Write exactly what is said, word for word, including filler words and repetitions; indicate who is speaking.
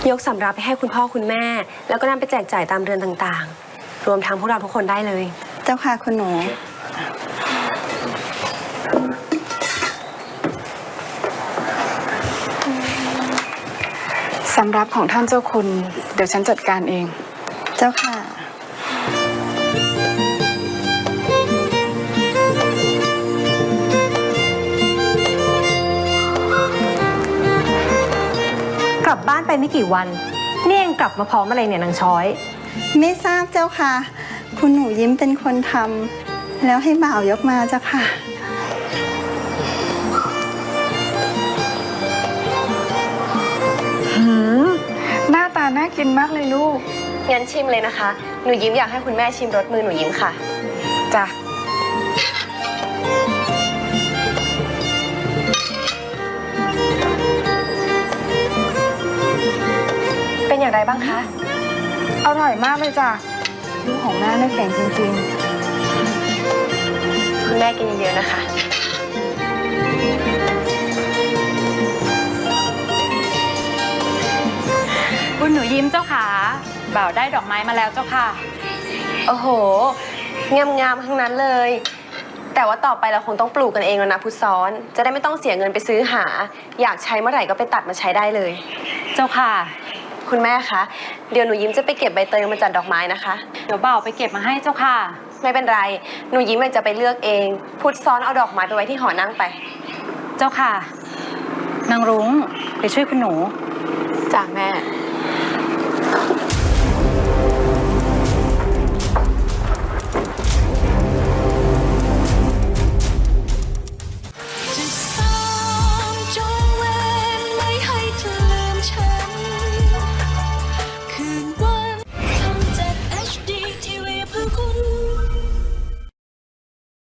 Speaker 1: ยกสำรับไปให้คุณพ่อคุณแม่แล้วก็นำไปแจกจ่ายตามเรือนต่างๆรวมทั้งพวกเราทุกคนได้เลย
Speaker 2: เจ้าค่ะคุณหนู
Speaker 3: สำรับของท่านเจ้าคุณเดี๋ยวฉันจัดการเอง
Speaker 2: เจ้าค่ะ
Speaker 1: กลับบ้านไปไม่กี่วันนี่เองกลับมาพร้อมอะไรเนี่ยนางช้อย
Speaker 2: ไม่ทราบเจ้าค่ะคุณหนูยิ้มเป็นคนทำแล้วให้บ่าวยกมาเจ้าค่ะ
Speaker 3: หืมหน้าตาน่ากินมากเลยลูก
Speaker 1: งั้นชิมเลยนะคะหนูยิ้มอยากให้คุณแม่ชิมรสมือหนูยิ้มค่ะ
Speaker 3: จ้ะ
Speaker 1: เป็นอย่างไรบ้างคะ
Speaker 3: อร่อยมากเลยจ้ะลูกของแม่ได้เก่งจริง
Speaker 1: ๆคุณแม่กินเยอะๆนะคะ
Speaker 4: คุณหนูยิ้มเจ้าขาบ่าวได้ดอกไม้มาแล้วเจ้าค่ะ
Speaker 1: โอ้โหงามๆทั้งนั้นเลยแต่ว่าต่อไปเราคงต้องปลูกกันเองแล้วนะพุทธซ้อนจะได้ไม่ต้องเสียเงินไปซื้อหาอยากใช้เมื่อไหร่ก็ไปตัดมาใช้ได้เลย
Speaker 4: เจ้าค่ะ
Speaker 1: คุณแม่คะเดี๋ยวหนูยิ้มจะไปเก็บใบเตยมาจัดดอกไม้นะคะ
Speaker 4: เดี๋ยวบ่าวไปเก็บมาให้เจ้าค่ะ
Speaker 1: ไม่เป็นไรหนูยิ้มจะไปเลือกเองพุทธซ้อนเอาดอกไม้ไปไว้ที่หอนั่งไป
Speaker 4: เจ้าค่ะนางรุ้งไปช่วยคุณหนู
Speaker 1: จ้าแม่